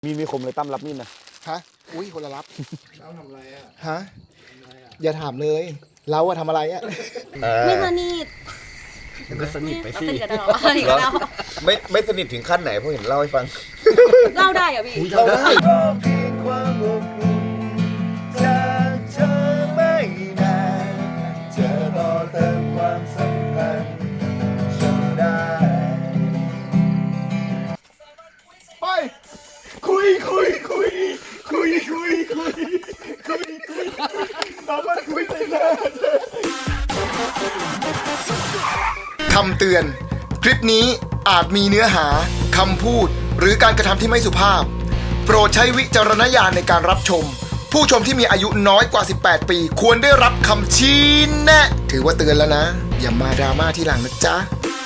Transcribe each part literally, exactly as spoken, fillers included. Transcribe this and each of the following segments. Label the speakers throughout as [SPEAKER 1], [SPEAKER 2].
[SPEAKER 1] มีมีคมเลยตั้มรับมีดนะ
[SPEAKER 2] ฮะอุ้ยคนละรับ
[SPEAKER 3] เราทำอะไรอ่ะ
[SPEAKER 2] ฮะอย่าถามเลยเราอะทำอะไรอะ
[SPEAKER 4] ไม่สนิท
[SPEAKER 3] มันก็สนิทไปสิ
[SPEAKER 4] สนิทกับเราสนิทกับเรา
[SPEAKER 1] ไม่ไม่สนิทถึงขั้นไหนเพราะเห็นเล่าให้ฟัง
[SPEAKER 4] เล่าได้เหรอพี่
[SPEAKER 2] เราได้
[SPEAKER 3] เพียงความอบอุ่นจากเธอไม่นานเธอต่อเติมความสัมพันธ์ฉันได้ไปคุยคุยคุยคุยคุยคุยคุยคุยสามารถคุยได้เลย
[SPEAKER 5] คำเตือนคลิปนี้อาจมีเนื้อหาคำพูดหรือการกระทำที่ไม่สุภาพโปรดใช้วิจารณญาณในการรับชมผู้ชมที่มีอายุน้อยกว่าสิบแปดปีควรได้รับคำชี้แนะถือว่าเตือนแล้วนะอย่ามาดราม่าที่หลังนะจ๊ะ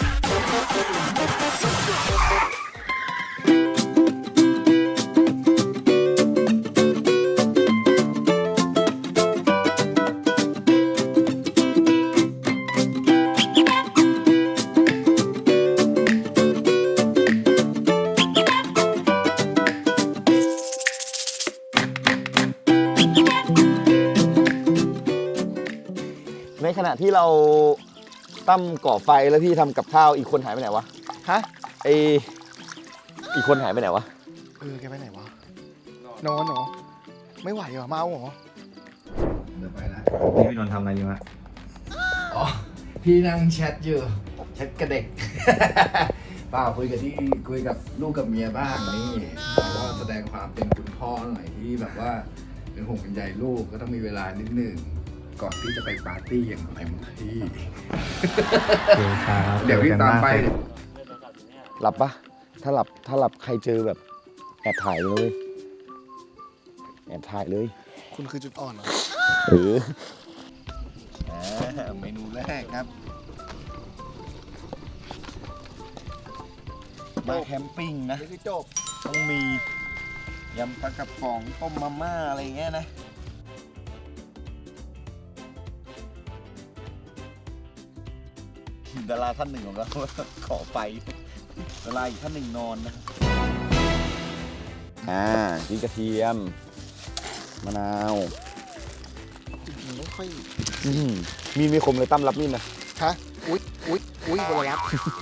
[SPEAKER 1] ในขณะที่เราตั้มก่อไฟแล้วพี่ทำกับข้าวอีกคนหายไปไหนวะ
[SPEAKER 2] ฮะ
[SPEAKER 1] ไออีกคนหายไปไหนวะ
[SPEAKER 2] เออแกไปไหนวะนอนเหรอไม่ไหวเหรอเมาเหรอ
[SPEAKER 3] เดี๋ยวไปละ
[SPEAKER 6] นี่พี่นนท์ทำอะไรอยู่ฮะ
[SPEAKER 3] อ๋อพี่นั่งแชทอยู่แชทกับเด็ก เปล่าคุยกับที่คุยกับลูกกับเมียบ้างนี่แล้วก็แสดงความเป็นคุณพ่อหน่อยที่แบบว่าเป็นห่วงเป็นใยลูกก็ต้องมีเวลานิดนึงก่อนที่จะไปปาร์ตี้อย่างเต็มที่เดี๋ยวพี่ตามไป
[SPEAKER 1] หลับปะถ้าหลับถ้าหลับใครเจอแบบแอบถ่ายเลยแอบถ่ายเลย
[SPEAKER 2] คุณคือจุดอ่อนเหรอ
[SPEAKER 1] เออ
[SPEAKER 3] เมนูแรกครับ
[SPEAKER 1] มาแคมปิ้งนะ
[SPEAKER 2] นี่คือจบ
[SPEAKER 1] ต้องมียำปลากระป๋องต้มมาม่าอะไรเงี้ยนะดาราท่านหนึ่งของเราขอไปดาราอีกท่านหนึ่งนอนนะอ่าพริกกระเทียมมะนาว
[SPEAKER 2] จริงๆไม่ค่อย
[SPEAKER 1] มีมีคมเลยตั้มรับมีดนะ
[SPEAKER 2] ฮะอุ้ยอุ้ยอุ้ยคนละรับ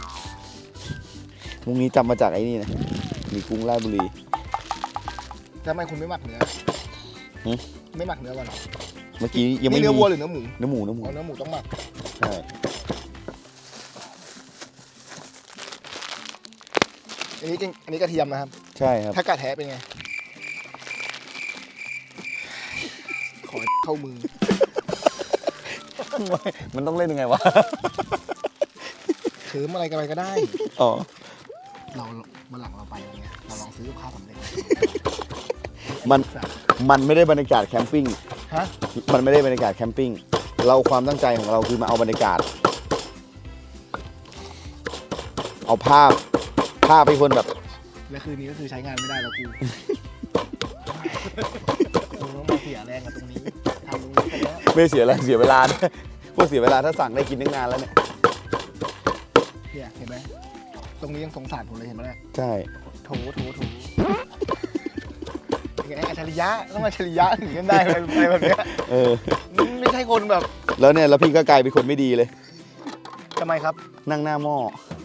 [SPEAKER 1] มุงนี้จำมาจากไอ้นี่นะมีกุ้งราชบุรี
[SPEAKER 2] ทำไมคุณไม่หมักเนื้อไม่หมักเนื้อก่อน
[SPEAKER 1] เมื่อกี้ยังไม่มี
[SPEAKER 2] เนื้อวัวหรือเนื้อหมู
[SPEAKER 1] เนื้อหมูเนื้อหมู
[SPEAKER 2] เนื้อหมูต้องหมัก
[SPEAKER 1] ใช่
[SPEAKER 2] อันนี้อันนี้กระเทียมนะครับ
[SPEAKER 1] ใช่ครับ
[SPEAKER 2] ถ้ากระแทะเป็นไงขอเข้ามือ
[SPEAKER 1] มันต้องเล่นยังไงวะ
[SPEAKER 2] เขิมอะไรกันไปก็ได้
[SPEAKER 1] อ๋อ
[SPEAKER 2] เรามาหลังเราไปอย่างเงี้ยเราลองซื้อกับข้าวสำเร็จ
[SPEAKER 1] มันมันไม่ได้บรรยากาศแคมปิ้ง
[SPEAKER 2] ฮะ
[SPEAKER 1] มันไม่ได้บรรยากาศแคมปิ้งเราความตั้งใจของเราคือมาเอาบรรยากาศเอาภาพภาพให้คนแบบ
[SPEAKER 2] และคืนนี้ก็คือใช้งานไม่ได้แล้วกูกูต้องมาเสียแรงกับตรงนี้ทำตรงนี้ไปแล้ว
[SPEAKER 1] ไม่เสียแรงเสียเวลาพวกเสียเวลาถ้าสั่งได้กินตั้งนานแล้วเนี่ย
[SPEAKER 2] เนี่ยเห็นไหมตรงนี้ยังสงสารผมเลยเห็นไหมเนี่ย
[SPEAKER 1] ใช่
[SPEAKER 2] โถโถโถไงอัจฉริยะต้องอัจฉริยะถึงจะได้อะไรแบบนี้
[SPEAKER 1] เออ
[SPEAKER 2] ไม่ใช่คนแบบ
[SPEAKER 1] แล้วเนี่ยแล้วพี่ก็กลายเป็นคนไม่ดีเลย
[SPEAKER 2] ทำไมครับ
[SPEAKER 1] นั่งหน้าหม้อ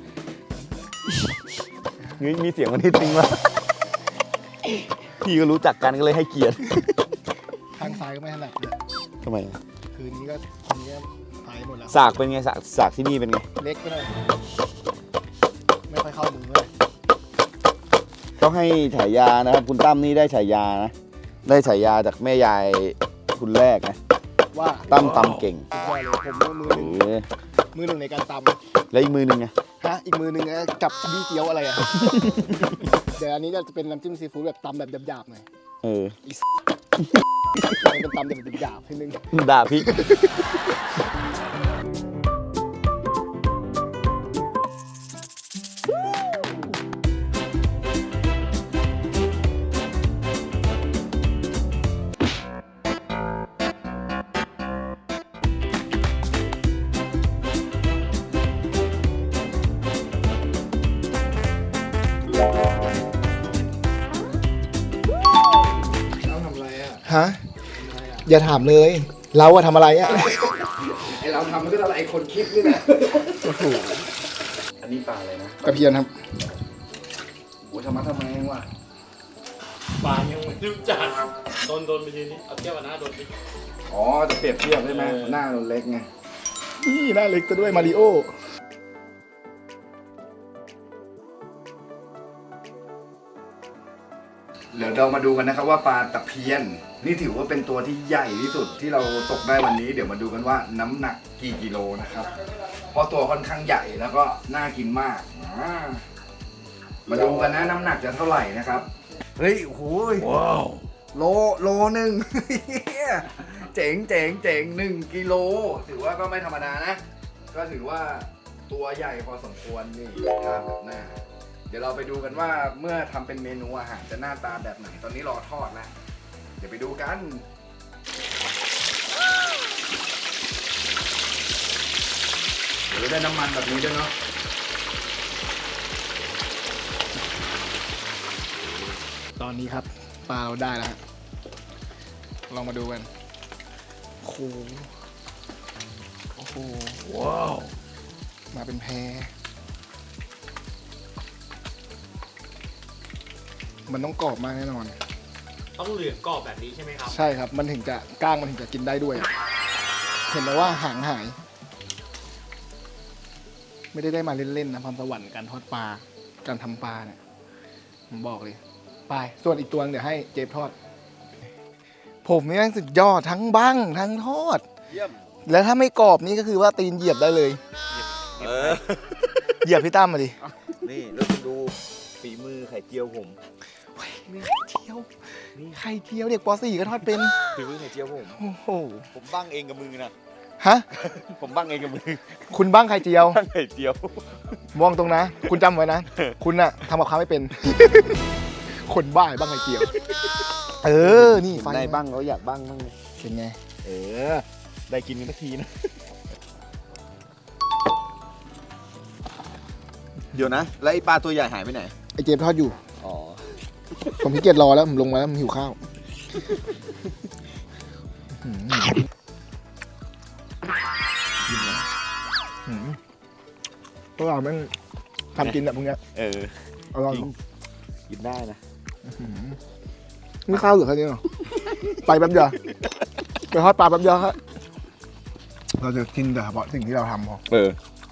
[SPEAKER 1] นี่มีเสียงมันนิดนึงว่าพี่ก็รู้จักกันก็เลยให้เกียรติ
[SPEAKER 2] ทางซ้ายก็ไม่ถนัดเลย
[SPEAKER 1] ทำไม
[SPEAKER 2] คืนนี้ก็คืนนี้ตายหมดแล้ว
[SPEAKER 1] สากเป็นไงสากสากที่นี่เป็นไง
[SPEAKER 2] เล็กไปหน่อยไม่ค่อยเข้ามือเลย
[SPEAKER 1] ต้องให้ฉายานะครับคุณตั้มนี่ได้ฉายานะได้ฉายาจากแม่ยายคุณแรกนะ
[SPEAKER 2] ว่า
[SPEAKER 1] ตั้มตำเก่ง
[SPEAKER 2] ผมมือหนึ่งมือหนึ่งในการตำ
[SPEAKER 1] แล้วอีกมือหนึ่งไง
[SPEAKER 2] ฮะอีกมือหนึ่งจับบี้เกี๊ยวอะไรอ่ะเดี๋ยวอันนี้จะเป็นน้ำจิ้มซีฟู้ดแบบตำแบบหยาบๆหน่อย
[SPEAKER 1] เออ
[SPEAKER 2] เป็นตำแบบหยาบๆทีนึง
[SPEAKER 1] ด่าพี่
[SPEAKER 2] ฮะอย่าถามเลย เราอะทำอะไรอะ
[SPEAKER 3] ไอเราทำมันก็อะไรไอคนคิดนี่แหละ
[SPEAKER 2] โอ้โห
[SPEAKER 3] อันนี้ปลาอะไรนะ
[SPEAKER 2] กระเพียนครับ
[SPEAKER 3] โอ้ทำมาทำไมวะ
[SPEAKER 6] ปลายังไม่รู้จักโดนโดนไปยืนนี่เอาเทียบกับหน้าโดนไป
[SPEAKER 3] อ๋อจะเปรียบเทียบใช่ไหมหน้าเราเล็กไง
[SPEAKER 2] นี่หน้าเล็กซะด้วยมาริโอ
[SPEAKER 3] เดี๋ยวเรามาดูกันนะครับว่าปลาตะเพียน นี่ถือว่าเป็นตัวที่ใหญ่ที่สุดที่เราตกได้วันนี้ เดี๋ยวมาดูกันว่าน้ำหนักกี่กิโลนะครับ เพราะตัวค่อนข้างใหญ่แล้วก็น่ากินมากอ่ามาดูกันนะน้ำหนักจะเท่าไหร่นะครับเฮ้ยโอ้ยว้าวโลโลหนึ่ง เจ๋งเจ๋งเจ๋งหนึ่งกิโลถือว่าก็ไม่ธรรมดานะ ก็ถือว่าตัวใหญ่พอสมควรนี่ภาพแบบหน้า เดี๋ยวเราไปดูกันว่าเมื่อทำเป็นเมนูอาหารจะหน้าตาแบบไหน ตอนนี้รอทอดแล้วเดี๋ยวไปดูกันเดี๋ยวได้น้ำมันแบบนี้ด้วยเนาะ
[SPEAKER 2] ตอนนี้ครับปลาเราได้แล้วฮะลองมาดูกันโอ้โหโอ้โหว้าวมาเป็นแพมันต้องกรอบมากแน่นอน
[SPEAKER 6] ต้องเหลืองกรอบแบบนี้ใช่ไหมครับ
[SPEAKER 2] ใช่ครับ มันถึงจะก้างมันถึงจะกินได้ด้วย เห็นไหมว่าหางหาย ไม่ได้ได้มาเล่นๆนะความสวรรค์การทอดปลา การทำปลาเนี่ยผมบอกเลย ไป ส่วนอีกตัวนึงเดี๋ยวให้เจฟทอด ผมนี่แม่งสุดยอดทั้งบั้งทั้งทอด
[SPEAKER 1] เยี่ยม
[SPEAKER 2] แล้วถ้าไม่กรอบนี่ก็คือว่าตีนเหยียบได้เลย
[SPEAKER 1] เออ
[SPEAKER 2] เหยียบพี่ตั้มมาดิ
[SPEAKER 1] นี่แล้วคุณดูฝีมือไข่เจียวผม
[SPEAKER 2] ไข่เจียว ไข่เจียวเด็กป .สี่ ก็ทอดเป็น
[SPEAKER 1] ฝีมือไข่เจียวผม
[SPEAKER 2] โอ้โห
[SPEAKER 1] ผมบ้างเองกับมือนะ
[SPEAKER 2] ฮะ
[SPEAKER 1] ผมบ้างเองกับมือ
[SPEAKER 2] คุณบ้างไข่เจียว
[SPEAKER 1] บ้างไข่เจียว
[SPEAKER 2] มองตรงนะ คุณจำไว้นะ คุณน่ะทำกับข้าวไม่เป็น คนบ้าบ้างไข่เจียว เออ นี่ไฟ
[SPEAKER 1] ได้บ้างเขาอยากบ้างบ้างเลย
[SPEAKER 2] เป็นไง
[SPEAKER 1] เออ ได้กินกันสักทีนะ เดี๋ยวนะ แล้วไอ้ปลาตัวใหญ่หายไปไหน
[SPEAKER 2] ไอเจฟทอดอยู่
[SPEAKER 1] อ๋อ
[SPEAKER 2] ผมพี่เกียจรอแล้ว ผมลงมาแล้วผมหิวข้าวอื้อหือพวกเราแม่งทำกินแบบพวกเนี้ย
[SPEAKER 1] เออ
[SPEAKER 2] อร่อย
[SPEAKER 1] จริง กินได้นะ
[SPEAKER 2] ไม่ข้าวเหลือแค่นี้หรอ ไปแป๊บเดียวไปทอดปลาแป๊บเดียวครับเราจะกินแต่เฉพาะสิ่งที่เราทำพอ
[SPEAKER 1] เออ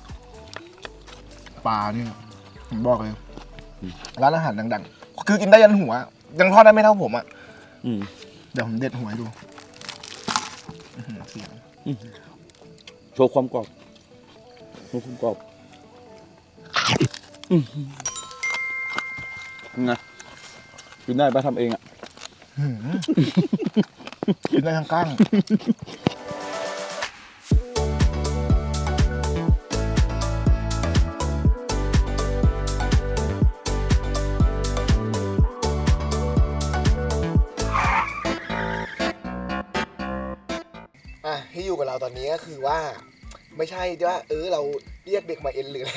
[SPEAKER 2] ปลาเนี่ยผมบอกเลยร้านอาหารดังๆ คือกินได้ยันหัว ยังทอดได้ไม่เท่าผมอ่ะ
[SPEAKER 1] อืม
[SPEAKER 2] เดี๋ยวผมเด็ดหัวให้ดูอื้อหือเสียง
[SPEAKER 1] โชว์ความกรอบโชว์ความกรอบอืมไงกินได้ปะทำเองอ่ะ
[SPEAKER 2] อื้อหือกินได้ทั้งก้าง อ่ะที่อยู่กับเราตอนนี้ก็คือว่า ไม่ใช่ว่าเออเราเรียกเด็กมาเอ็นหรืออะไร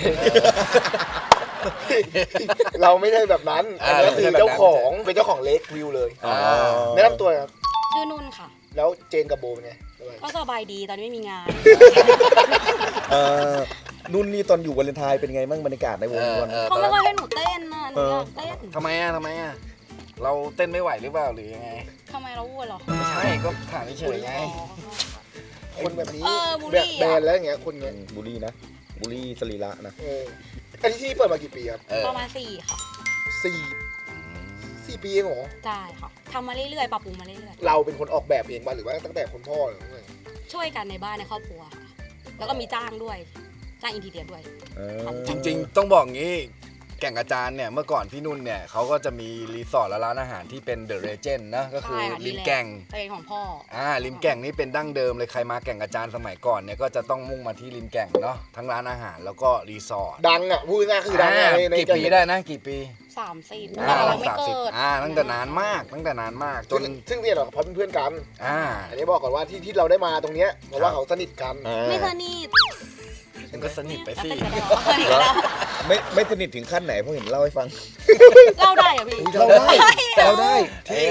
[SPEAKER 2] เราไม่ใช่แบบนั้นอันนี้คือเจ้าของเป็นเจ้าของเล็กวิวเลยแนะนำตัวครับ
[SPEAKER 4] ชื่อนุ่นค่ะ
[SPEAKER 2] แล้วเจนกับโบเป็นไงสบาย
[SPEAKER 4] ก็สบายดีตอนนี้ไม่มีงาน
[SPEAKER 1] เออนุ่นนี่ตอนอยู่วาเลนไทน์เป็นไงบ้างบรรยากาศในวงวัน
[SPEAKER 4] เขาไม่ค่อยให้หนูเต้นนะหนูอยากเต้น
[SPEAKER 3] ทำไมอ่ะทำไมอ่ะ เราเต้นไม่ไหวหรือเปล่าหรือยังไง
[SPEAKER 4] ทำไมเราอ้วนเหรอ
[SPEAKER 3] ไม่ใช่ก็ถามเฉยๆไง
[SPEAKER 2] คนแบบนี้
[SPEAKER 4] เออบูล
[SPEAKER 2] แบ
[SPEAKER 4] ลี่
[SPEAKER 2] บแบ
[SPEAKER 4] อะ
[SPEAKER 2] นแล้วอย่างเงี้ยคนเงี้ย
[SPEAKER 1] บุรีนะบุรีสรีระนะ
[SPEAKER 2] เอออันนี้ที่เปิดมากี่ปีครับ
[SPEAKER 3] เออ
[SPEAKER 4] ประมาณสี่ค่ะ
[SPEAKER 2] สี่สี่ปีเองเหรอ
[SPEAKER 4] ใช่ค่ะทำมาเรื่อยๆปรับปรุงมาเรื่อย
[SPEAKER 2] เราเป็นคนออกแบบเองป่ะหรือว่าตั้งแต่คุณพ่อหรือไง
[SPEAKER 4] ๆช่วยกันในบ้านในครอบครัวค่ะแล้วก็มีจ้างด้วยจ้างอินทีเรียด้วย
[SPEAKER 1] เออ
[SPEAKER 3] จริงๆ ต้องบอกงี้ แก่งกระจานเนี่ยเมื่อก่อนพี่นุ่นเนี่ยเขาก็จะมีรีสอร์ทและร้านอาหารที่เป็นเดอะเรเจนด์นะก็คือ
[SPEAKER 4] ใช่ค่ะ
[SPEAKER 3] ริมแก่ง
[SPEAKER 4] เป็นของพ่อ
[SPEAKER 3] อ่าริมแก่งนี่เป็นดั้งเดิมเลยใครมาแก่งกระจานสมัยก่อนเนี่ยก็จะต้องมุ่งมาที่ริมแก่งเนาะทั้งร้านอาหารแล้วก็รีสอร์ท
[SPEAKER 2] ดังอ่ะพูดง่ายๆคือดัง
[SPEAKER 3] อ่า
[SPEAKER 2] อะในใน
[SPEAKER 3] กี่ปีได้นะกี่ปี
[SPEAKER 4] สามสิบ
[SPEAKER 3] อ่า
[SPEAKER 4] แต่เราไม่
[SPEAKER 3] สามสิบ
[SPEAKER 4] เกิด
[SPEAKER 3] อ่าตั้งแต่นานมากตั้งแต่นานมากจ
[SPEAKER 2] ซึ่
[SPEAKER 3] น
[SPEAKER 2] งซึ่งเนี่ยเหรอเพราะเป็นเพื่อนกัน
[SPEAKER 3] อ่า
[SPEAKER 2] อันนี้บอกก่อนว่าที่ที่เราได้มาตรงเนี้ยเพราะว่าเขาสนิทกัน
[SPEAKER 4] ไม่สนิท
[SPEAKER 3] มันก็สนิทไปสิ
[SPEAKER 4] สนิทกันแล้วสนิทกันแล้ว
[SPEAKER 1] ไม่ไม่สนิทถึงขั้นไหนเพราะเห็นเล่าให้ฟัง
[SPEAKER 4] เล่าได้เหรอพี่
[SPEAKER 2] เราได้เราได้ที่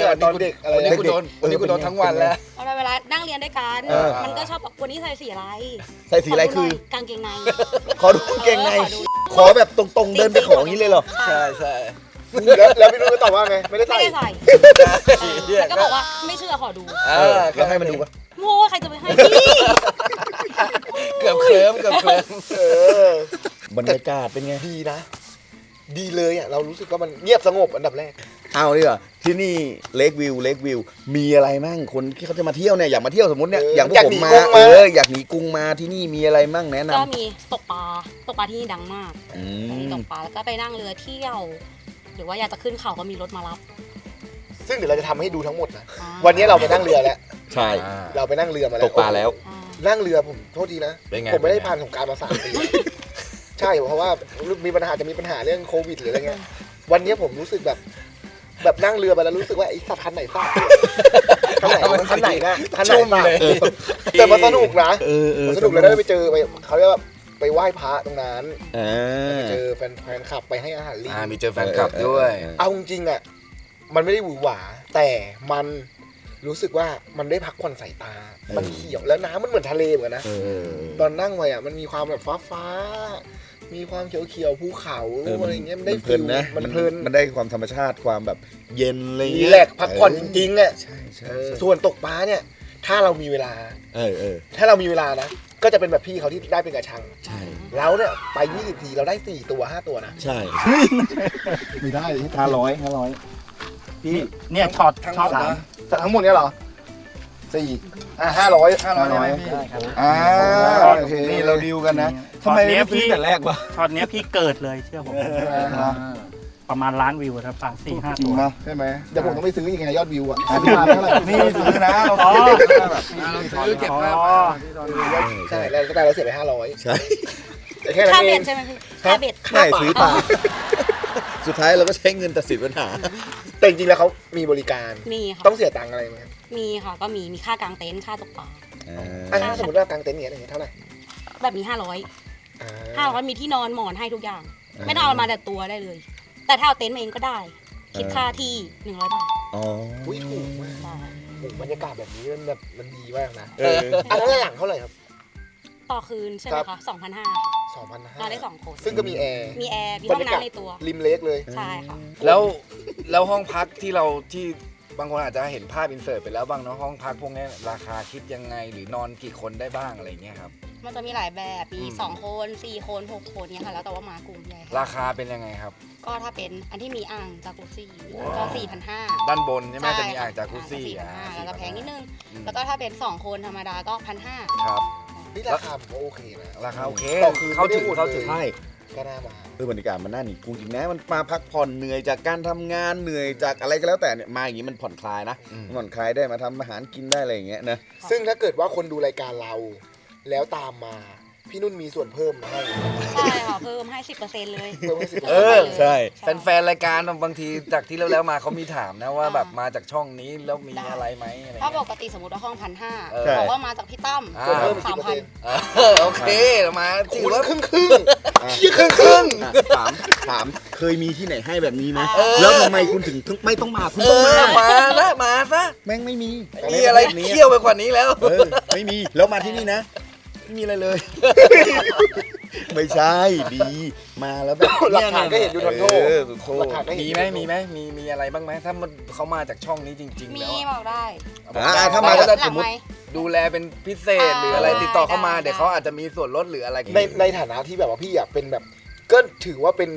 [SPEAKER 2] ตอนเด็กอะไร
[SPEAKER 3] วันนี้กูโดนวันนี้กูโดนทั้งวันแล้ว
[SPEAKER 4] เอาเวลานั่งเรียนด้วยกัน
[SPEAKER 1] เออ
[SPEAKER 4] มันก็ชอบบอกวันนี้ใส่สีอะไร
[SPEAKER 1] ใส่สีอะไรคือ
[SPEAKER 4] ขดูหน่ยกางเกงใน
[SPEAKER 1] ขอดูกางเกงใน
[SPEAKER 4] ออขอดู
[SPEAKER 1] ขอแบบตรงๆเดินไปขออย่างนี้เลยเหรอ
[SPEAKER 3] ใช่ใช่
[SPEAKER 2] แล้วแล้วพี่นุ่นก็ตอบว่าไงไม่ได้
[SPEAKER 4] ไม่
[SPEAKER 2] ใส่
[SPEAKER 4] ได้ใส่แล้วก็บอกว่าไม่เชื่อขอดู
[SPEAKER 3] เอ
[SPEAKER 1] เอ
[SPEAKER 3] อ
[SPEAKER 1] อแล้วให้มันดูปะ
[SPEAKER 4] โง่ใครจะไปให้พี่
[SPEAKER 3] เกือบเคลิ้มเกือบเคลิ้ม
[SPEAKER 2] เออบ
[SPEAKER 1] รรยากาศเป็นไง
[SPEAKER 2] ดีนะ ดีเลยอ่ะเรารู้สึกว่ามันเงียบสงบอันดับแรก
[SPEAKER 1] เอาดีกว่าที่นี่เลกวิวเลกวิวมีอะไรมั่งคนที่เขาจะมาเที่ยวเนี่ยอยากมาเที่ยวสมมติเนี่ย
[SPEAKER 2] เออ
[SPEAKER 1] อย่างพวก
[SPEAKER 2] อยาก
[SPEAKER 1] ผม
[SPEAKER 2] หนี
[SPEAKER 1] มา
[SPEAKER 2] กุ้ง
[SPEAKER 1] เอ
[SPEAKER 2] มา
[SPEAKER 1] ออยากหนีกรุงมาที่นี่มีอะไรมั่งแนะน
[SPEAKER 4] ก็มีตกปลาตกปลาที่นี่ดังมาก
[SPEAKER 1] ำอื
[SPEAKER 4] มี
[SPEAKER 1] ม
[SPEAKER 4] ตกปลาแล้วก็ไปนั่งเรือเที่ยว หรือว่าอยากจะขึ้นเขาก็มีรถมารับ
[SPEAKER 2] ซึ่งเดี๋ยวเราจะทำให้ดูทั้งหมดนะ
[SPEAKER 4] อ่า
[SPEAKER 2] วันนี้เราไปนั่งเรือแล้ว
[SPEAKER 1] ใช่
[SPEAKER 2] เราไปนั่งเรือมาแล้ว
[SPEAKER 1] ตกปลาแล้ว
[SPEAKER 4] อ่า
[SPEAKER 2] นั่งเรือผมโทษทีนะ
[SPEAKER 3] เป็นไง
[SPEAKER 2] ผมไม่ได้ผ่านสงกรารมาสามปี ใช่เพราะว่ามีปัญหาจะมีปัญหาเรื่องโควิดหรืออะไรเงี้ย วันนี้ผมรู้สึกแบบ แบบนั่งเรือไปแล้วรู้สึกว่าไอ้สัตว์คันไหนสัตว์คันไหนคันไหนนะคันไหน
[SPEAKER 3] ชุ่ม
[SPEAKER 2] สัต
[SPEAKER 3] เลย
[SPEAKER 2] ว์แต่มันสนุกนะ
[SPEAKER 1] เออเออ
[SPEAKER 2] มันสนุกเลยได้ไปเจอไปเขาเรียกว่าไปไหว้พระตรงนั้น
[SPEAKER 1] อ่า
[SPEAKER 2] ไปเจอแฟนแฟนคลับไปให้อาหารลิง
[SPEAKER 3] อ่ามีเจอแฟนคลับด้วย
[SPEAKER 2] เอาจริงๆอ่ะมันไม่ได้หวือหวา แต่มันรู้สึกว่ามันได้พักผ่อนสายตา มันเขียวแล้วน้ำมันเหมือนทะเลเหมือนกันนะ
[SPEAKER 1] เออ
[SPEAKER 2] ตอนนั่งไปอ่ะมันมีความแบบฟ้าฟ้าๆมีความเขียวเขียวๆภูเขา
[SPEAKER 1] เออ
[SPEAKER 2] อะไรเงี้ยมันได้
[SPEAKER 1] เพลินนะ
[SPEAKER 2] มันเพลิน
[SPEAKER 1] มันได้ความธรรมชาติความแบบเย็นอะไร
[SPEAKER 2] รี
[SPEAKER 1] เงี้ย
[SPEAKER 2] แลกซ์พักผ่อนจริงๆอ่ะ
[SPEAKER 1] ใช่ใช่
[SPEAKER 2] เออ
[SPEAKER 1] ใช่
[SPEAKER 2] ส่วนตกปลาเนี่ย ถ้าเรามีเวลา
[SPEAKER 1] เออเออ
[SPEAKER 2] ถ้าเรามีเวลานะ ก็จะเป็นแบบพี่เขาที่ได้เป็นกระชัง
[SPEAKER 1] ใช่
[SPEAKER 2] เราเนี่ยไปยี่สิบทีเราได้สี่ตัวห้าตัวนะ
[SPEAKER 1] ใช่
[SPEAKER 2] ไม่ได้
[SPEAKER 1] ห้าร้อยห้าร้อย
[SPEAKER 6] พี่เนี่ยช็อต
[SPEAKER 3] ทั้งห
[SPEAKER 6] ช็
[SPEAKER 3] ม
[SPEAKER 6] อต
[SPEAKER 3] ดนะ
[SPEAKER 2] แต่ทั้งหมดเนี่ยเหรอสี่อ่ะห้าร้อยห้าร้อย
[SPEAKER 6] ได้ครับ
[SPEAKER 1] อ่าโอเคนี่เราดีลกันนะทำไมไม่ซื้อแต่แรกวะ
[SPEAKER 6] ช็อตเนี้ยพี่เกิดเลยเชื่อผมประมาณล้านวิวครับปลาสี่ห้า
[SPEAKER 1] จริ
[SPEAKER 6] ตั
[SPEAKER 1] ง
[SPEAKER 6] ว
[SPEAKER 1] ปะ
[SPEAKER 2] ใช่ไหมเดี๋ยวผมต้องไปซื้อยังไงยอดวิวอ่ะซื้อมาเท่าไหร่
[SPEAKER 1] นี่ซื้อนะเรา
[SPEAKER 6] อ๋อ
[SPEAKER 3] ซื้อเก็บภาพ
[SPEAKER 6] อ๋อ
[SPEAKER 2] ใช่แล้วแต่เราเสียไปห้าร้อย
[SPEAKER 1] ใช่
[SPEAKER 2] แต่แค่นั้
[SPEAKER 4] ค่าน
[SPEAKER 2] เอ
[SPEAKER 4] เบ็ด
[SPEAKER 2] ง
[SPEAKER 4] ใช่ไหมพี่ค่าเบ็ด
[SPEAKER 1] ไม่ซื้อปลาสุดท้ายเราก็ใช้เงินตัดสินปัญหา
[SPEAKER 2] แต่จริงๆแล้วเขามีบริการ
[SPEAKER 4] มีค่ะ
[SPEAKER 2] ต้องเสียตังค์อะไรไหม
[SPEAKER 4] มีค่ะก็มีมีค่ากางเต็นท์ค่าตกปลา
[SPEAKER 2] อ่ะสมมติว่ากางเต็นท์เนี่ยเท่าไหร่
[SPEAKER 4] แบบนี้ห้าร้อย
[SPEAKER 2] อ่า
[SPEAKER 4] ห้าร้อยมีที่นอนหมอนให้ทุกอย่าง
[SPEAKER 1] อ่า
[SPEAKER 4] ไม่ต้องเอามาแต่ตัวได้เลย แต่ถ้าเอาเต็นท์มาเองก็ได้ คิดค่าที่หนึ่งร้อยบาท
[SPEAKER 1] อ๋อ
[SPEAKER 2] อุ้ยถูกมาก
[SPEAKER 4] ใช่
[SPEAKER 2] โอ้โหบรรยากาศแบบนี้มันแบบมันดีมากนะ
[SPEAKER 1] เออ
[SPEAKER 2] อันนั้นหลังเท่าไหร่ครับ
[SPEAKER 4] ต่อคืนใช่ไหมคะสองพันห้า
[SPEAKER 2] สองพันห้า
[SPEAKER 4] นอนได้สองคน
[SPEAKER 2] ซึ่งก็มีแอร์
[SPEAKER 4] มีแอร์ มีห้องน้ำในตัว
[SPEAKER 2] ริมเลกเลย
[SPEAKER 4] ใช่ค่ะ
[SPEAKER 3] แล้วแล้วห้องพักที่เราที่บางคนอาจจะเห็นภาพอินเสิร์ตไปแล้วบ้างเนาะห้องพักพวกนี้ราคาคิดยังไงหรือนอนกี่คนได้บ้างอะไรเงี้ยครับ
[SPEAKER 4] มันจะมีหลายแบบ มี
[SPEAKER 3] อืม
[SPEAKER 4] สองคนสี่คนหกคนเนี่ยค่ะ แล้วแต่ว่ามากลุ่มใหญ่
[SPEAKER 3] ราคาเป็นยังไงครับ
[SPEAKER 4] ก็ถ้าเป็นอันที่มีอ่างจากุซี่ก็สี่พันห้า
[SPEAKER 3] ด้านบนใช่ไหมจะมีอ่างจากุซี่
[SPEAKER 4] สี่พัน
[SPEAKER 3] อ่า
[SPEAKER 4] ห้าแล้วก็แพงนิดนึง
[SPEAKER 3] อืม
[SPEAKER 4] แล้วก็ถ้าเป็นสองคนธรรมดาก็พันห้า
[SPEAKER 3] ครับ
[SPEAKER 2] นี่ราคาผมว่าโอเคนะ
[SPEAKER 3] ราคาโอเค
[SPEAKER 2] ต่อคืน
[SPEAKER 3] เข้าถึง
[SPEAKER 2] ไม่ได้หมด
[SPEAKER 3] เข้าถึง
[SPEAKER 2] เลย
[SPEAKER 1] ใช่
[SPEAKER 2] ก็น่ามา
[SPEAKER 1] เออบรรยากาศมันน่าหนีกรุงจริงนะมันมาพักผ่อนเหนื่อยจากการทำงานเหนื่อยจากอะไรก็แล้วแต่เนี่ยมาอย่างนี้มันผ่อนคลายนะ
[SPEAKER 3] อืม
[SPEAKER 1] ผ่อนคลายได้มาทำอาหารกินได้อะไรอย่างเงี้ยนะ
[SPEAKER 2] ซึ่งถ้าเกิดว่าคนดูรายการเรา แล้วตามมา พี่นุ่นมีส่วนเพิ่มให้
[SPEAKER 4] ใช่ค่ะ เพิ่มให้สิบเปอร์เซ็นต์เลย
[SPEAKER 2] เพิ่มให้สิบ
[SPEAKER 3] เออ
[SPEAKER 1] ใช่
[SPEAKER 3] แฟนๆรายการบางทีจากที่แล้วๆมาเขามีถามนะว่าแบบมาจากช่องนี้แล้วมีอะไรไหมอะไร
[SPEAKER 4] ถ้าป
[SPEAKER 3] เงี้ย
[SPEAKER 4] กติสมมติว่าห้องพันห้า
[SPEAKER 3] เออ
[SPEAKER 4] บอกว่ามาจากพี่ตั้ม
[SPEAKER 3] อ่า
[SPEAKER 2] ส่วนเพิ่มสิบ
[SPEAKER 4] สาม
[SPEAKER 2] เปอร์
[SPEAKER 4] พัน
[SPEAKER 2] เซ็นต์
[SPEAKER 3] เออโอเคมาถื
[SPEAKER 2] คุ
[SPEAKER 3] อ
[SPEAKER 2] ณ
[SPEAKER 3] ว่า
[SPEAKER 2] ครึ่งครึ่งๆเชี่ยครึ่งครึ่ง
[SPEAKER 1] อ่ะถามถามเคยมีที่ไหนให้แบบนี้ไหม
[SPEAKER 4] เออ
[SPEAKER 1] แล้วทำไมคุณถึงถึงไม่ต้องมาคุณ
[SPEAKER 3] เอ
[SPEAKER 1] ต้องมา
[SPEAKER 3] อมาซะมาซะ
[SPEAKER 1] แม่งไม่มี
[SPEAKER 3] มีอะไรเที่ยวไปกว่านี้แล้ว
[SPEAKER 1] เออไม่มีแล้วมาที่นี่นะไม่มีอะไรเลย ไม่ใช่ดีมาแล้วแบบ
[SPEAKER 2] หลักฐานก็เห็นอยู่ทนโทษ
[SPEAKER 1] เออสุดโท
[SPEAKER 2] หลั
[SPEAKER 1] ษ
[SPEAKER 2] กฐานก็เห็น
[SPEAKER 3] มีไหมมีไหมมีมีอะไรบ้างไหมถ้ามันเขามาจากช่องนี้จริงๆ
[SPEAKER 4] มี
[SPEAKER 3] แล้ว
[SPEAKER 4] บอกได้
[SPEAKER 1] อ่าถ้ามา
[SPEAKER 3] แล้ว
[SPEAKER 1] แล้ว
[SPEAKER 4] หลั
[SPEAKER 1] ส
[SPEAKER 4] ง
[SPEAKER 1] มม
[SPEAKER 4] ไห
[SPEAKER 1] ติ
[SPEAKER 4] ม
[SPEAKER 3] ดูแลเป็นพิเศษหรืออะไร
[SPEAKER 4] ได้
[SPEAKER 3] ติดต่อเข้ามา
[SPEAKER 4] ได้
[SPEAKER 3] เดี๋ยวเขาอาจจะมีส่วนลดหรืออะไร
[SPEAKER 2] ในในฐานะที่แบบว่าพี่อ่ะเป็นแบบ ก็ถือว่าเป็น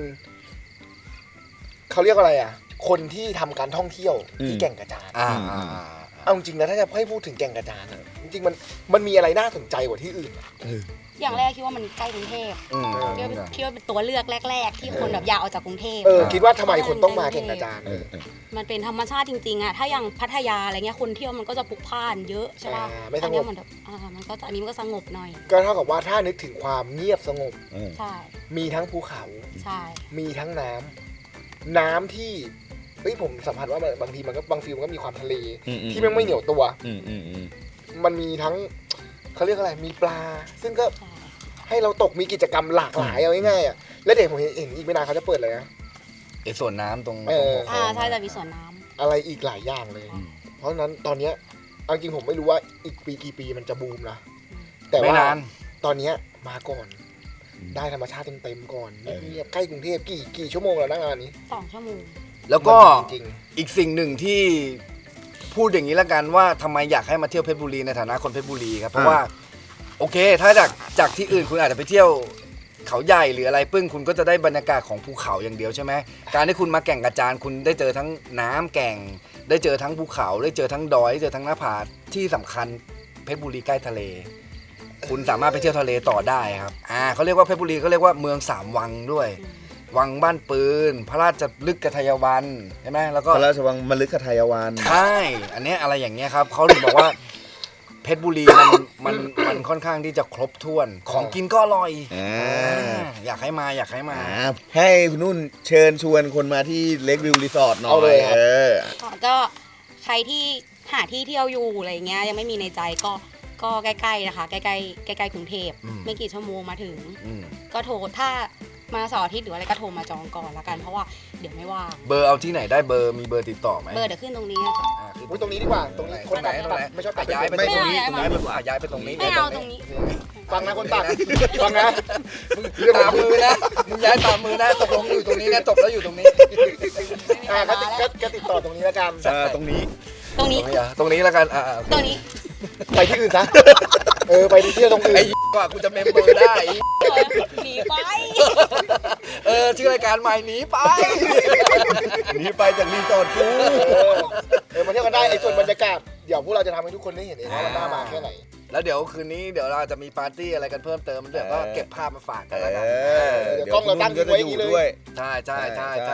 [SPEAKER 2] เขาเรียกว่าอะไรอ่ะ คนที่ทำการท่องเที่ยวที่แก่งกระจาน
[SPEAKER 3] อ่า
[SPEAKER 2] เอาจริงนะถ้าจะให้พูดถึงแก่งกระจานอะจริงๆมันมันมีอะไรน่าสนใจกว่าที่อื่นอะ
[SPEAKER 4] อย่างแรกคิดว่ามันใกล้กรุงเทพ
[SPEAKER 3] อืม
[SPEAKER 4] คิดว่าคิดว่าเป็นตัวเลือกแรก ๆ ที่คนแบบอยากออกจากกรุงเทพ
[SPEAKER 2] เออคิดว่าทำไมคนต้องมาแก่งกระจาน
[SPEAKER 1] เออเออ
[SPEAKER 4] มันเป็นธรรมชาติจริงๆอะถ้าอย่างพัทยาอะไรเงี้ยคนเที่ยวมันก็จะพลุกพล่านเยอะใช่ป่ะ
[SPEAKER 2] อ่าไม่สงบ
[SPEAKER 4] อันเนี้ยมันแบบอ่ามันก็จะอันนี้มันก็สงบหน่อย
[SPEAKER 2] ก็เท่ากับว่าถ้านึกถึงความเงียบสงบ
[SPEAKER 1] เออ
[SPEAKER 4] ใช่
[SPEAKER 2] มีทั้งภูเขา
[SPEAKER 4] ใช่
[SPEAKER 2] มีทั้งน้ำน้ำที่เฮ้ยผมสัมผัสว่าบางทีมันก็บางฟิลมันก็มีความทะเล
[SPEAKER 1] อือื
[SPEAKER 2] ที่แม่งไม่เหนียวตัว
[SPEAKER 1] อืมอืมอืม
[SPEAKER 2] มันมีทั้งเขาเรียกอะไร มีปลา ซึ่งก็
[SPEAKER 4] ใช่
[SPEAKER 2] ให้เราตกมีกิจกรรมหลากหลายเอาง่ายๆอ่ะแล้วเด็กผมเห็นเห็นอีกไม่นานเขาจะเปิดเลยนะ
[SPEAKER 3] ไอ้ส่วนน้ำตรง
[SPEAKER 2] เออ
[SPEAKER 3] ตรงหัวโค้
[SPEAKER 4] อ่าง ใช่จะมีสวนน้ำ
[SPEAKER 5] อะไรอีกหลายอย่างเลย เพราะฉะนั้นตอนเนี้ยเอาจริงผมไม่รู้ว่าอีกปีกี่ปีมันจะบูมนะแต่
[SPEAKER 3] ไม่
[SPEAKER 5] ว่าน
[SPEAKER 3] าน
[SPEAKER 5] ตอนเนี้ยมาก่อนได้ธรรมชาติเต็มๆก่อนเงียบๆใกล้กรุงเทพกี่กี่ชั่วโมงแล้วนะงานนี้
[SPEAKER 4] สองชั่วโมง
[SPEAKER 3] แล้วก็
[SPEAKER 5] จริง
[SPEAKER 3] อีกสิ่งหนึ่งที่พูดอย่างนี้ละกันว่าทำไมอยากให้มาเที่ยวเพชรบุรีในฐานะคนเพชรบุรีครับเพราะว่าโอเค ถ้าจากจากที่อื่นคุณอาจจะไปเที่ยวเขาใหญ่หรืออะไรปึ้งคุณก็จะได้บรรยากาศของภูเขาอย่างเดียวใช่ไหมการที่คุณมาแก่งกระจานคุณได้เจอทั้งน้ำแก่ง ได้เจอทั้งภูเขาได้เจอทั้งดอยได้เจอทั้งหน้าผาที่สำคัญเพชรบุรีใกล้ทะเล คุณสามารถไปเที่ยวทะเลต่อได้ครับอ่าเขาเรียกว่าเพชรบุรีเขาเรียกว่าเมืองสามวังด้วย วังบ้านปืน พระราชลึกกทายวันใช่ไหมแล้วก็
[SPEAKER 1] พระราชวังมฤคทายวัน
[SPEAKER 3] ใช่อันเนี้ยอะไรอย่างเงี้ยครับเขาถึงบอกว่าเพชรบุรีมันมันมันค่อนข้างที่จะครบถ้วน ของกินก็อร่อย
[SPEAKER 1] อ่า
[SPEAKER 3] อ่าอยากให้มาอยากให้มา
[SPEAKER 1] อ่าให้คุณนุ่นเชิญชวนคนมาที่เล็กวิวรีสอร์ทหน่อย
[SPEAKER 5] เอาเลยครับ
[SPEAKER 1] เออ
[SPEAKER 4] ก็ใครที่หาที่เที่ยวอยู่อะไรเงี้ยยังไม่มีในใจก็ก็ใกล้ๆนะคะใกล้ๆใกล้ๆกรุงเทพ
[SPEAKER 3] อืม
[SPEAKER 4] ไม่กี่ชั่วโมงมาถึง
[SPEAKER 3] อืม
[SPEAKER 4] ก็โทรถ้ามาเสาร์อาทิตย์หรืออะไรก็โทรมาจองก่อนละกันเพราะว่าเดี๋ยวไม่ว่าง
[SPEAKER 3] เบอร์เอาที่ไหนได้เบอร์มีเบอร์ติดต่อไหม
[SPEAKER 4] เบอร์เดี๋ยวขึ้นตรงนี้นะคะ
[SPEAKER 3] อ่าคือ
[SPEAKER 5] อุ๊ยตรงนี้ดีกว่าตรงนี้คน
[SPEAKER 3] ไหน
[SPEAKER 5] ตัด
[SPEAKER 3] ตรงไหน
[SPEAKER 5] ไม่ชอบตัด
[SPEAKER 3] ย้ายไป
[SPEAKER 4] ไม่
[SPEAKER 3] ตรงนี้
[SPEAKER 4] เอา
[SPEAKER 3] ย้ายไปย้ายไปตรงนี้
[SPEAKER 4] ไม่เอาตรงนี้
[SPEAKER 5] ฟังนะคนตัดฟังนะ
[SPEAKER 3] ตามมือนะมึงย้ายตามมือนะตกลงอยู่ตรงนี้นะจบแล้วอยู่ตรงนี้
[SPEAKER 5] อ่าก็ติดก็ก็ติดต่อตรงนี้แล้วกัน
[SPEAKER 1] เออตรงนี้
[SPEAKER 4] ตรง
[SPEAKER 3] ตร
[SPEAKER 4] นี้
[SPEAKER 3] งนี้อ่ะตรงนี้แล้วกันอ่า
[SPEAKER 4] ตรงนี้
[SPEAKER 5] ไปที่อื่นซะเออไปที่เที่ยวตรงอื่น
[SPEAKER 3] ไอ้กว่ากูจะเมมเบอร์ได้
[SPEAKER 4] หนีไป
[SPEAKER 3] เออชื่อรายการใหม่หนีไป
[SPEAKER 1] หนีไปจากรีสอร์ทกู
[SPEAKER 5] เออเออมาเที่ยวกันได้ไอ้ส่วนบรรยากาศเดี๋ยวพวกเราจะทำให้ทุกคนได้เห็นเองว่ามันน่ามาแค่ไหน
[SPEAKER 3] แล้วเดี๋ยวคืนนี้เดี๋ยวเราจะมีปาร์ตี้อะไรกันเพิ่มเติมเดี๋ยวก็เก็บภาพมาฝากกัน
[SPEAKER 1] เอ
[SPEAKER 3] แล้วกัน
[SPEAKER 1] อ
[SPEAKER 5] เดี๋ยวกล้องเราตั้งทิ้งไว้อย่างนี้เลย
[SPEAKER 1] ด้วย
[SPEAKER 3] ใช่ใช่ใช่
[SPEAKER 1] ใช่
[SPEAKER 3] ใช่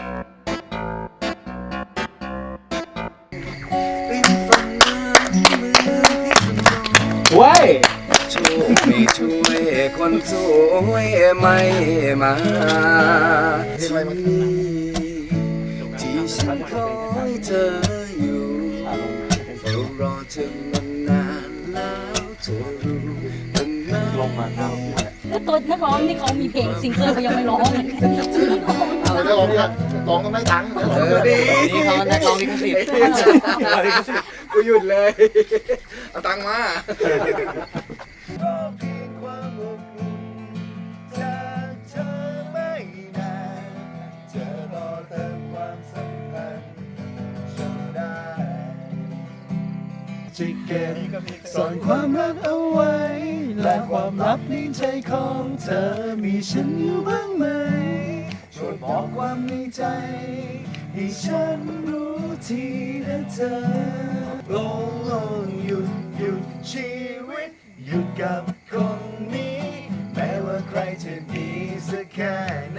[SPEAKER 2] เว้ย
[SPEAKER 3] ช่วยไม่ช่วยคนสวยไม่มา
[SPEAKER 5] เพลงอะไรมา
[SPEAKER 3] ที่ฉันคอยเธออยู่เฝ้ารอเธอมานานแล้วเธอรู้ตั้งนานลงมาเอา
[SPEAKER 7] ก็ตัวนักร้องที่เขามีเพลงซิงเกิลเขายังไม่ร้องเลย
[SPEAKER 5] เอาจะร้องเนี่ยร้องต้องได้ตังค์
[SPEAKER 3] เออดี
[SPEAKER 2] นี่เขานักร้องลิขสิทธิ์
[SPEAKER 3] กูหยุดเลย เอาตังค์มา
[SPEAKER 8] จะเก็บซ่อนความรักเอาไว้ และความลับในใจของเธอมีฉันอยู่บ้างไหมช่วยบอกความในใจ ให้ฉันรู้ทีนะเธอลงลงหยุดหยุดชีวิต หยุดกับคนนี้ แม้ว่าใครจะดีสักแค่ไหน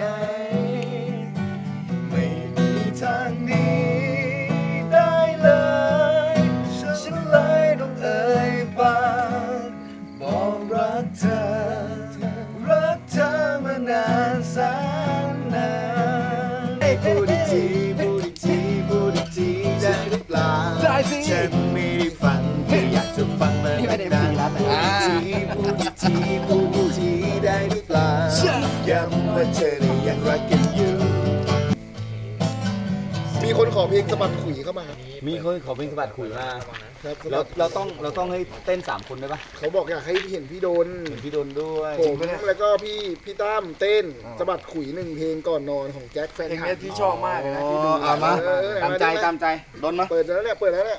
[SPEAKER 8] ไม่มีทางหนี้ได้เลย ฉันเลยต้องเอ่ยปากบอกรักเธอ รักเธอมานานแสนนานพูดอีกทีพูดอีกทีพูดอีกทีได้หรือเปล่าได้สิฉันไม่ได้ฟังแค่อยากจะฟังมานานๆพูดอีกทีพูดอีกทีพูดอีกทีได้หรือเปล่าย้ำว่าเธอเนี่ยยังรักกันอยู่
[SPEAKER 5] มีคนขอเพลงสะบัดขุยเข้ามา
[SPEAKER 9] มีคนขอเพลงสะบัดขุยมา
[SPEAKER 5] ครับ
[SPEAKER 9] เราเราต้องเราต้องให้เต้นสามคนได้ปะ
[SPEAKER 5] เขาบอกอยากให้เห็นพี่โดน
[SPEAKER 9] เห็นพี่โดนด้วย
[SPEAKER 5] ผมแล้วก็พี่พี่ตั้มเต้นสะบัดขุยหนึ่งเพลงก่อนนอนของแจ็คแฟน
[SPEAKER 3] เพลง
[SPEAKER 5] ฉั
[SPEAKER 3] นี้
[SPEAKER 5] น
[SPEAKER 3] ที่ชอบมากเลยนะ
[SPEAKER 9] อ๋อ
[SPEAKER 3] ที่ดู
[SPEAKER 9] เอามา
[SPEAKER 5] เออ
[SPEAKER 9] ตามใจตามใจโดนมา
[SPEAKER 5] เปิดแล้วเนี่ยเปิดแล้วเนี่ย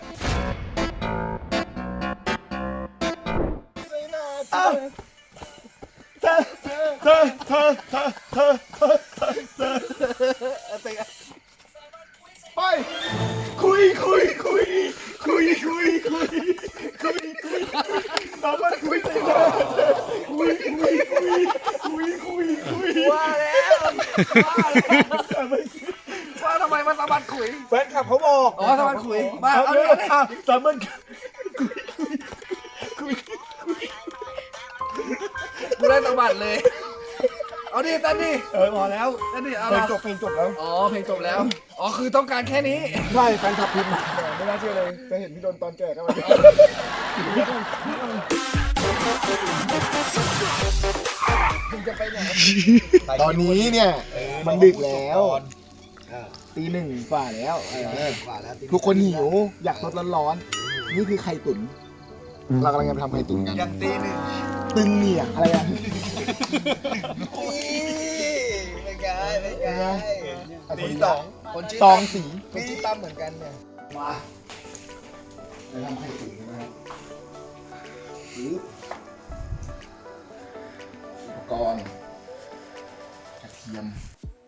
[SPEAKER 5] ไปคุยคุยคุยคุยคุยคุยคุยคุยสามารถคุยได้คุยคุยคุยคุยคุยคุย
[SPEAKER 3] ว่าแล้วว่าแล้วว่าทำไมมาสะบัดขุย
[SPEAKER 5] แฟนคลับเขาบอก
[SPEAKER 3] อ๋อสะบัดขุยมา
[SPEAKER 5] เอา
[SPEAKER 3] เอา
[SPEAKER 5] เล
[SPEAKER 3] เลย ย
[SPEAKER 5] สามารถคุยคุยคุย
[SPEAKER 3] กูได้สะบัดเลย เอาดิเต้นดิ
[SPEAKER 5] เออพอแล้ว
[SPEAKER 3] เต้นดิเอา
[SPEAKER 5] เพลง
[SPEAKER 3] ละ
[SPEAKER 5] จบเพลงจบแล้ว
[SPEAKER 3] อ๋อเพลงจบแล้ว อ๋อคือต้องการแค่นี้
[SPEAKER 5] ใช่แฟนคลับพิมพ์มาไม่น่าเชื่อเลยจะเห็นพี่โดนตอนแก่ก็มาตอนนี้เนี่ยมันดึกแล้ว
[SPEAKER 2] ตีหนึ่งฝ่าแล้วเออ
[SPEAKER 3] กว่าแล้ว
[SPEAKER 2] ทุกคนหิวอยากสดร้อนๆนี่คือไข่ตุ๋นเรากำลังจะไปทำไข่ตุ๋นกัน
[SPEAKER 3] ยังตีหนึ่ง
[SPEAKER 2] ตึงเนี่ยอะไรอ่ะ
[SPEAKER 3] ไม่ไกลไม่ไกลตีสองคนชื่อ
[SPEAKER 2] ตองสี
[SPEAKER 3] คนชื่อตั้มเหมือนกันเนี่ย
[SPEAKER 2] มาไปทำไข่ตุ๋นกันนะครับปึ๊บอุปกรณ์กระเทียม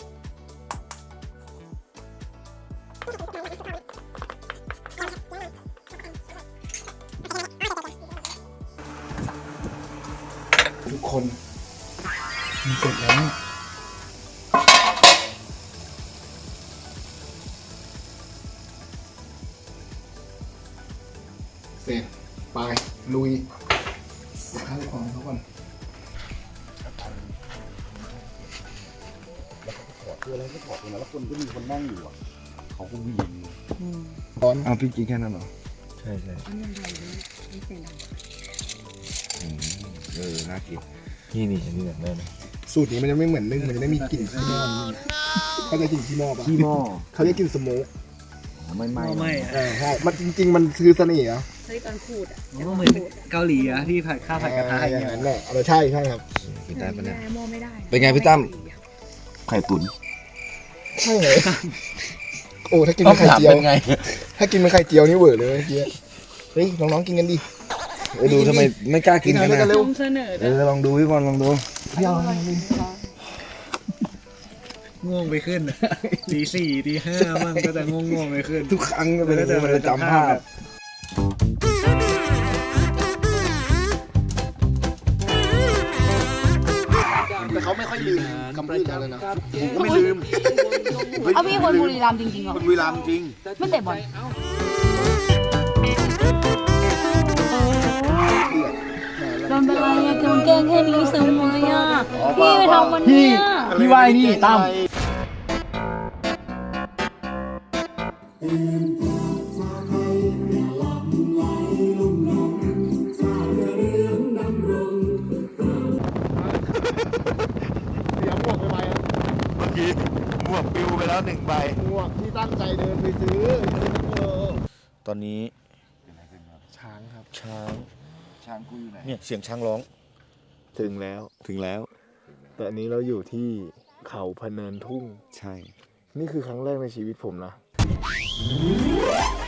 [SPEAKER 2] ทุกคนมันเสร็จแล้วเสร็จไปลุยข้าวของเขาก่อนคืออะไรก็ถอดตรงนั้นแล้วคนก็มีคนนั่งอยู่อ่ะเขาก็วิ่งตอน
[SPEAKER 1] เอาพี่กินแค่นั้นเหรอ ใช่ใช่เออ น่ากิน นี่นี่ฉันนี่แบบได้ไหม
[SPEAKER 2] สูตรนี้มันจะไม่เหมือนนึ่งมันจะได้มีกลิ่นขี้หม้อนิดนึงเขาจะกลิ่นขี้หม้อปะ
[SPEAKER 1] ขี้หม้อ
[SPEAKER 2] เขาจะกลิ่นสโมก
[SPEAKER 1] ไม่ไหม้
[SPEAKER 8] ไม่อะ
[SPEAKER 2] เออใช่มันจริง ๆ มันคือเสน่ห์เหรอ
[SPEAKER 7] เฮ้ยตอนขูดอ่ะ
[SPEAKER 8] มันก็เหมือนเกาหลีอะที่ผัดข้าวผัดกระทะ
[SPEAKER 2] อ
[SPEAKER 8] อย่าง
[SPEAKER 2] ย่าง
[SPEAKER 8] เงี้ย
[SPEAKER 2] นั้นแหละเออใช่ใช่ครับ
[SPEAKER 1] กินได้ปะเนี่ย
[SPEAKER 7] หม้อไม่ได้
[SPEAKER 1] เป็นไงพี่ตั้ม ไข่ตุ๋น
[SPEAKER 2] ใช่เลยโอ้ถ้ากินเป็นไข่เจียว
[SPEAKER 1] เป็นไง
[SPEAKER 2] ถ้ากินเป็นไข่เจียวนี่เวอร์เลยเมื่อกี้เฮ้ยน้องๆกินกันดิ
[SPEAKER 1] เออดูทำไมไม่กล้ากินกัน
[SPEAKER 2] กิน
[SPEAKER 1] นะ
[SPEAKER 2] เร็ว
[SPEAKER 7] เสนอ
[SPEAKER 1] เออลองดูพี่บอลลองดู
[SPEAKER 2] พี่เอา
[SPEAKER 8] ง่วงไปขึ้น ตีสี่ตีห้ามั่งก็จะง่วงง่วงๆไปขึ้น
[SPEAKER 1] ทุกครั้งก็เป็นอย่างนี้มันจะจำภาพ
[SPEAKER 2] แต่เขาไม่ค่อยลืมคำพูดเขาเลยนะ
[SPEAKER 9] ผมก็ไม่ลืม
[SPEAKER 7] เอาพี่คนบุรีรัมย์จริงๆเหรอ
[SPEAKER 9] คนบุรีรัมย์จริง
[SPEAKER 7] ไม่เตะบอลโดนเป็นไรอะโดนแกล้งแค่นี้ซึ้งเลยอ่ะพี่ไปทำวันเนี้ย
[SPEAKER 2] พี่วายนี่ตั้ม เสียหมวกไปไหม
[SPEAKER 1] เมื่อกี้หมวกปิวไปแล้วหนึ่งใบ
[SPEAKER 2] หมวกที่ตั้งใจเดินไปซื้อเออ
[SPEAKER 1] ตอนนี้
[SPEAKER 2] ช้างครับ
[SPEAKER 1] ช้าง
[SPEAKER 3] ช้างกูอยู่ไหน
[SPEAKER 1] เนี่ยเสียงช้างร้อง
[SPEAKER 2] ถึงแล้ว
[SPEAKER 1] ถึงแล้ว
[SPEAKER 2] แต่อันนี้เราอยู่ที่เขาพะเนินทุ่ง
[SPEAKER 1] ใช่
[SPEAKER 2] นี่คือครั้งแรกในชีวิตผมนะ